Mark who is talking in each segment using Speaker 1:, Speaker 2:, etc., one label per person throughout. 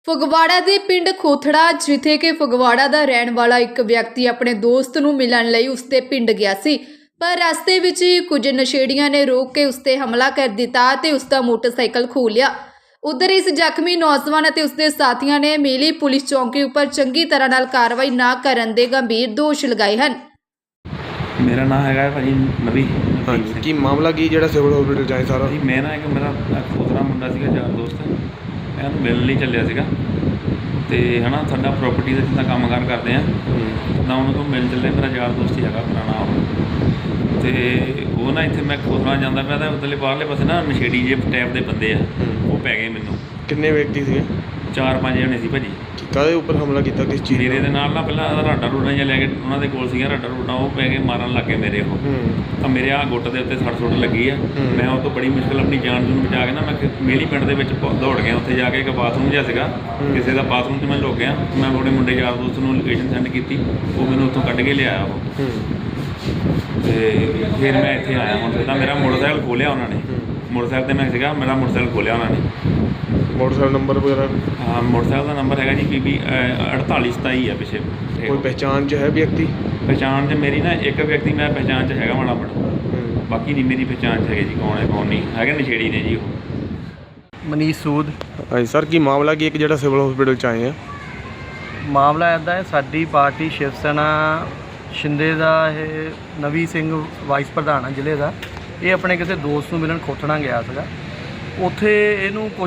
Speaker 1: ਫਗਵਾੜਾ ਦੇ ਪਿੰਡ ਖੋਥੜਾ, ਜਿੱਥੇ ਕਿ ਫਗਵਾੜਾ ਦਾ ਰਹਿਣ ਵਾਲਾ ਇੱਕ ਵਿਅਕਤੀ ਆਪਣੇ ਦੋਸਤ ਨੂੰ ਮਿਲਣ ਲਈ ਉਸਦੇ ਪਿੰਡ ਗਿਆ ਸੀ, ਪਰ ਰਸਤੇ ਵਿੱਚ ਹੀ ਕੁਝ ਨਸ਼ੇੜੀਆਂ ਨੇ ਰੋਕ ਕੇ ਉਸਤੇ ਹਮਲਾ ਕਰ ਦਿੱਤਾ ਤੇ ਉਸਦਾ ਮੋਟਰਸਾਈਕਲ ਖੋਹ ਲਿਆ। ਉਧਰ ਇਸ ਜ਼ਖਮੀ ਨੌਜਵਾਨ ਅਤੇ ਉਸਦੇ ਸਾਥੀਆਂ ਨੇ ਮੇਲੀ ਪੁਲਿਸ ਚੌਂਕੀ ਉੱਪਰ ਚੰਗੀ ਤਰ੍ਹਾਂ ਨਾਲ ਕਾਰਵਾਈ ਨਾ ਕਰਨ ਦੇ ਗੰਭੀਰ ਦੋਸ਼ ਲਗਾਏ ਹਨ।
Speaker 2: मेरा नाम है भाजी नवी।
Speaker 3: हाँ जी, की मामला की जो सिविल हॉस्पिटल जाए सारा
Speaker 2: जी मैं ना एक मेरा खोतरा मुंडा सीगा यार दोस्त, मैं ਉਹਨੂੰ ਮਿਲਣ ਲਈ ਚੱਲਿਆ ਸੀਗਾ ਤੇ ਹਨਾ ਸਾਡਾ ਪ੍ਰੋਪਰਟੀ ਦਾ ਜਿੱਦਾਂ ਕੰਮਕਾਰ ਕਰਦੇ ਆ ਤਾਂ ਉਹਨਾਂ ਤੋਂ ਮਿਲ ਚੱਲੇ। ਮੇਰਾ ਯਾਰ ਦੋਸਤ ਹੀ ਹੈਗਾ ਪੁਰਾਣਾ ਉਹ, ਤੇ ਉਹ ਨਾ ਇੱਥੇ ਮੈਂ ਖੋਤਰਾ ਜਾਂਦਾ ਪਿਆ ਤਾਂ ਉੱਧਰਲੇ ਬਾਹਰਲੇ ਪਾਸੇ ਨਾ ਨਸ਼ੇੜੀ ਜੇ ਟਾਈਪ ਦੇ ਬੰਦੇ ਆ ਉਹ ਪੈ ਗਏ ਮੈਨੂੰ।
Speaker 3: ਕਿੰਨੇ ਵਿਅਕਤੀ ਸੀਗੇ?
Speaker 2: 4-5 ਜਣੇ ਸੀ ਭਾਜੀ।
Speaker 3: ਕਾਹਦੇ ਉੱਪਰ ਹਮਲਾ ਕੀਤਾ, ਕਿਸ ਚੀਜ਼
Speaker 2: ਮੇਰੇ ਦੇ ਨਾਲ ਨਾ ਪਹਿਲਾਂ ਰਾਡਾ ਰੂਡਾ ਜਿਹਾ ਲੈ ਕੇ ਉਹਨਾਂ ਦੇ ਕੋਲ ਸੀਗਾ ਰਾਡਾ ਰੂਡਾ, ਉਹ ਪੈ ਕੇ ਮਾਰਨ ਲੱਗ ਗਏ ਮੇਰੇ ਉਹ। ਤਾਂ ਮੇਰੇ ਆਹ ਗੁੱਟ ਦੇ ਉੱਤੇ ਸੱਟ ਸੁੱਟ ਲੱਗੀ ਆ। ਮੈਂ ਉਹ ਤੋਂ ਬੜੀ ਮੁਸ਼ਕਿਲ ਆਪਣੀ ਜਾਨ ਨੂੰ ਬਚਾ ਕੇ ਨਾ ਮੈਂ ਮੇਲੀ ਪਿੰਡ ਦੇ ਵਿੱਚ ਦੌੜ ਗਿਆ। ਉੱਥੇ ਜਾ ਕੇ ਇੱਕ ਬਾਥਰੂਮ ਜਿਹਾ ਸੀਗਾ, ਕਿਸੇ ਦਾ ਬਾਥਰੂਮ 'ਚ ਮੈਂ ਲੁੱਕ ਗਿਆ। ਮੈਂ ਆਪਣੇ ਮੁੰਡੇ ਯਾਰ ਦੋਸਤ ਨੂੰ ਲੋਕੇਸ਼ਨ ਸੈਂਡ ਕੀਤੀ, ਉਹ ਮੈਨੂੰ ਉੱਥੋਂ ਕੱਢ ਕੇ ਲਿਆਇਆ ਉਹ। ਤੇ ਫਿਰ ਮੈਂ ਇੱਥੇ ਆਇਆ। ਹੁਣ ਤਾਂ ਮੇਰਾ ਮੋਟਰਸਾਈਕਲ ਖੋਲਿਆ ਉਹਨਾਂ ਨੇ, ਮੋਟਰਸਾਈਕਲ 'ਤੇ ਮੈਂ ਸੀਗਾ, ਮੇਰਾ ਮੋਟਰਸਾਈਕਲ ਖੋਲਿਆ ਉਹਨਾਂ ਨੇ।
Speaker 3: मोटरसाइकिल नंबर वगैरह?
Speaker 2: हाँ, मोटरसाइकिल का नंबर है जी PB 4827 है पिछे।
Speaker 3: कोई पहचान च है व्यक्ति?
Speaker 2: पहचान च मेरी ना एक व्यक्ति मैं पहचान च हैगा माड़ा बड़ा, बाकी नहीं मेरी पहचान च है जी कौन है कौन नहीं है। नशेड़ी ने जी वो
Speaker 4: मनीष सूद।
Speaker 3: हाँ सर, की मामला की एक जो सिविल हॉस्पिटल च आए हैं?
Speaker 4: मामला इदा है, साडी पार्टी शिव सेना शिंदे का नवी सिंह वाइस प्रधान है जिले का। ये अपने किसी दोस्त को मिलन खोथड़ा गया था। ਉੱਥੇ ਇਹਨੂੰ ਕੁਝ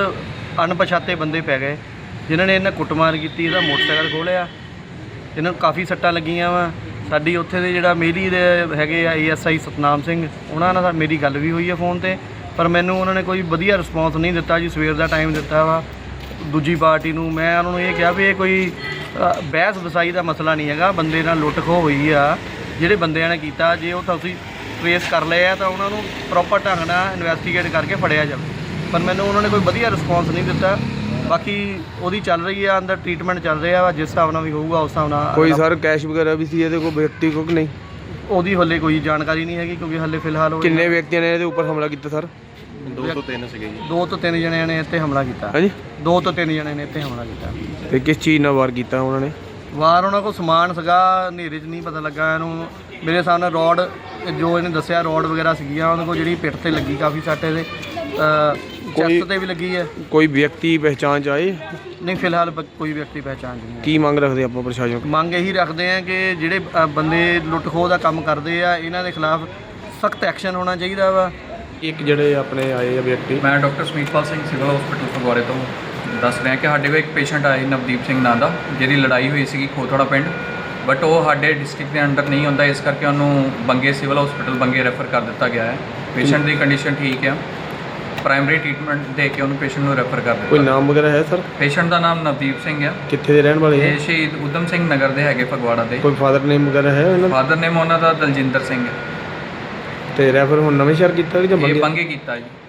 Speaker 4: ਅਣਪਛਾਤੇ ਬੰਦੇ ਪੈ ਗਏ ਜਿਨ੍ਹਾਂ ਨੇ ਇਹਨਾਂ ਕੁੱਟਮਾਰ ਕੀਤੀ, ਇਹਦਾ ਮੋਟਰਸਾਈਕਲ ਖੋਲਿਆ, ਇਹਨਾਂ ਨੂੰ ਕਾਫੀ ਸੱਟਾਂ ਲੱਗੀਆਂ ਵਾ। ਸਾਡੀ ਉੱਥੇ ਦੇ ਜਿਹੜਾ ਮੇਲੀ ਦੇ ਹੈਗੇ ਆ ASI ਸਤਨਾਮ ਸਿੰਘ, ਉਹਨਾਂ ਨਾਲ ਮੇਰੀ ਗੱਲ ਵੀ ਹੋਈ ਹੈ ਫ਼ੋਨ 'ਤੇ, ਪਰ ਮੈਨੂੰ ਉਹਨਾਂ ਨੇ ਕੋਈ ਵਧੀਆ ਰਿਸਪੌਂਸ ਨਹੀਂ ਦਿੱਤਾ ਜੀ। ਸਵੇਰ ਦਾ ਟਾਈਮ ਦਿੱਤਾ ਵਾ ਦੂਜੀ ਪਾਰਟੀ ਨੂੰ। ਮੈਂ ਉਹਨਾਂ ਨੂੰ ਇਹ ਕਿਹਾ ਵੀ ਇਹ ਕੋਈ ਬਹਿਸ ਵਸਾਈ ਦਾ ਮਸਲਾ ਨਹੀਂ ਹੈਗਾ, ਬੰਦੇ ਨਾਲ ਲੁੱਟ ਖੋਹ ਹੋਈ ਆ, ਜਿਹੜੇ ਬੰਦਿਆਂ ਨੇ ਕੀਤਾ ਜੇ ਉਹ ਤੁਸੀਂ ਟਰੇਸ ਕਰ ਲਏ ਆ ਤਾਂ ਉਹਨਾਂ ਨੂੰ ਪ੍ਰੋਪਰ ਢੰਗ ਨਾਲ ਇਨਵੈਸਟੀਗੇਟ ਕਰਕੇ ਫੜਿਆ ਜਾਵੇ। ਪਰ ਮੈਨੂੰ ਉਹਨਾਂ ਨੇ ਕੋਈ ਵਧੀਆ ਰਿਸਪੌਂਸ ਨਹੀਂ ਦਿੱਤਾ। ਬਾਕੀ ਉਹਦੀ ਚੱਲ ਰਹੀ ਆ, ਅੰਦਰ ਟ੍ਰੀਟਮੈਂਟ ਚੱਲ ਰਿਹਾ ਵਾ, ਜਿਸ ਹਿਸਾਬ ਨਾਲ ਵੀ ਹੋਊਗਾ ਉਸ ਹਿਸਾਬ ਨਾਲ।
Speaker 3: ਕੋਈ ਸਰ ਕੈਸ਼ ਵਗੈਰਾ ਵੀ ਸੀ ਇਹਦੇ ਕੋਲ ਵਿਅਕਤੀ ਕੋਲ ਕਿ ਨਹੀਂ?
Speaker 4: ਉਹਦੀ ਹਲੇ ਕੋਈ ਜਾਣਕਾਰੀ ਨਹੀਂ ਹੈਗੀ ਕਿਉਂਕਿ ਹਲੇ ਫਿਲਹਾਲ
Speaker 3: ਕਿੰਨੇ ਵਿਅਕਤੀਆਂ ਨੇ ਇਹਦੇ ਉੱਪਰ ਹਮਲਾ ਕੀਤਾ ਸਰ?
Speaker 4: 2 ਤੋਂ 3 ਸੀਗੇ ਜੀ। 2 ਤੋਂ 3 ਜਣਿਆਂ ਨੇ ਇੱਥੇ ਹਮਲਾ ਕੀਤਾ।
Speaker 3: ਹਾਂਜੀ, 2
Speaker 4: ਤੋਂ 3 ਜਣੇ ਨੇ ਇੱਥੇ ਹਮਲਾ ਕੀਤਾ।
Speaker 3: ਤੇ ਕਿਸ ਚੀਜ਼ ਨਾਲ ਵਾਰ ਕੀਤਾ ਉਹਨਾਂ ਨੇ?
Speaker 4: ਵਾਰ ਉਹਨਾਂ ਕੋਲ ਸਮਾਨ ਸੀਗਾ, ਹਨੇਰੇ 'ਚ ਨਹੀਂ ਪਤਾ ਲੱਗਾ ਇਹਨੂੰ। ਮੇਰੇ ਸਾਹਮਣੇ ਰੋਡ, ਜੋ ਇਹਨੇ ਦੱਸਿਆ ਰੋਡ ਵਗੈਰਾ ਸੀਗੀਆਂ ਉਹਨਾਂ ਕੋਲ, ਜਿਹੜੀ ਪਿੱਠ 'ਤੇ ਲੱਗੀ ਕਾਫੀ ਸੱਟ, ਇਹਦੇ ਚੈਸਟ 'ਤੇ ਵੀ ਲੱਗੀ ਹੈ।
Speaker 3: ਕੋਈ ਵਿਅਕਤੀ ਪਹਿਚਾਣ 'ਚ ਆਏ?
Speaker 4: ਨਹੀਂ, ਫਿਲਹਾਲ ਕੋਈ ਵਿਅਕਤੀ ਪਹਿਚਾਣ 'ਚ ਨਹੀਂ।
Speaker 3: ਕੀ ਮੰਗ ਰੱਖਦੇ ਆਪਾਂ ਪ੍ਰਸ਼ਾਸਨ?
Speaker 4: ਮੰਗ ਇਹੀ ਰੱਖਦੇ ਆ ਕਿ ਜਿਹੜੇ ਬੰਦੇ ਲੁੱਟ ਖੋਹ ਦਾ ਕੰਮ ਕਰਦੇ ਆ, ਇਹਨਾਂ ਦੇ ਖਿਲਾਫ ਸਖਤ ਐਕਸ਼ਨ ਹੋਣਾ ਚਾਹੀਦਾ ਵਾ।
Speaker 3: ਇੱਕ ਜਿਹੜੇ ਆਪਣੇ ਆਏ ਆ ਵਿਅਕਤੀ,
Speaker 5: ਮੈਂ doctor Samitpal Singh civil hospital ਫਗਵਾੜੇ ਤੋਂ ਦੱਸ ਰਿਹਾ ਕਿ ਸਾਡੇ ਕੋਲ ਇੱਕ ਪੇਸ਼ੈਂਟ ਆਏ ਨਵਦੀਪ ਸਿੰਘ ਨਾਂ ਦਾ, ਜਿਹਦੀ ਲੜਾਈ ਹੋਈ ਸੀਗੀ ਖੋਥੜਾ ਪਿੰਡ, ਬਟ ਉਹ ਸਾਡੇ ਡਿਸਟ੍ਰਿਕਟ ਦੇ ਅੰਡਰ ਨਹੀਂ ਹੁੰਦਾ, ਇਸ ਕਰਕੇ ਉਹਨੂੰ ਬੰਗੇ ਸਿਵਲ ਹਸਪੀਟਲ ਬੰਗੇ ਰੈਫਰ ਕਰ ਦਿੱਤਾ ਗਿਆ ਹੈ। ਪੇਸ਼ੈਂਟ ਦੀ ਕੰਡੀਸ਼ਨ ਠੀਕ ਹੈ, ਪ੍ਰਾਇਮਰੀ ਟ੍ਰੀਟਮੈਂਟ ਦੇ ਕੇ ਉਹਨੂੰ ਪੇਸ਼ੈਂਟ ਨੂੰ ਰੈਫਰ ਕਰ ਦਿੱਤਾ।
Speaker 3: ਕੋਈ ਨਾਮ ਵਗੈਰਾ ਹੈ ਸਰ?
Speaker 5: ਪੇਸ਼ੈਂਟ ਦਾ ਨਾਮ ਨਵਦੀਪ ਸਿੰਘ ਹੈ।
Speaker 3: ਕਿੱਥੇ ਦੇ ਰਹਿਣ ਵਾਲੇ ਹੈ?
Speaker 5: ਇਹ ਸ਼ਹੀਦ ਊਧਮ ਸਿੰਘ ਨਗਰ ਦੇ ਹੈਗੇ ਫਗਵਾੜਾ ਦੇ।
Speaker 3: ਕੋਈ ਫਾਦਰ ਨੇਮ ਵਗੈਰਾ ਹੈ ਇਹਨਾਂ ਦਾ?
Speaker 5: ਫਾਦਰ ਨੇਮ ਉਹਨਾਂ ਦਾ ਦਲਜਿੰਦਰ ਸਿੰਘ ਹੈ।
Speaker 3: ਤੇ ਰੈਫਰ ਹੁਣ ਨਵੇਂ ਸ਼ਹਿਰ ਕੀਤਾ ਕਿ ਜਾਂ
Speaker 5: ਇਹ ਬੰਗੇ ਕੀਤਾ ਜੀ।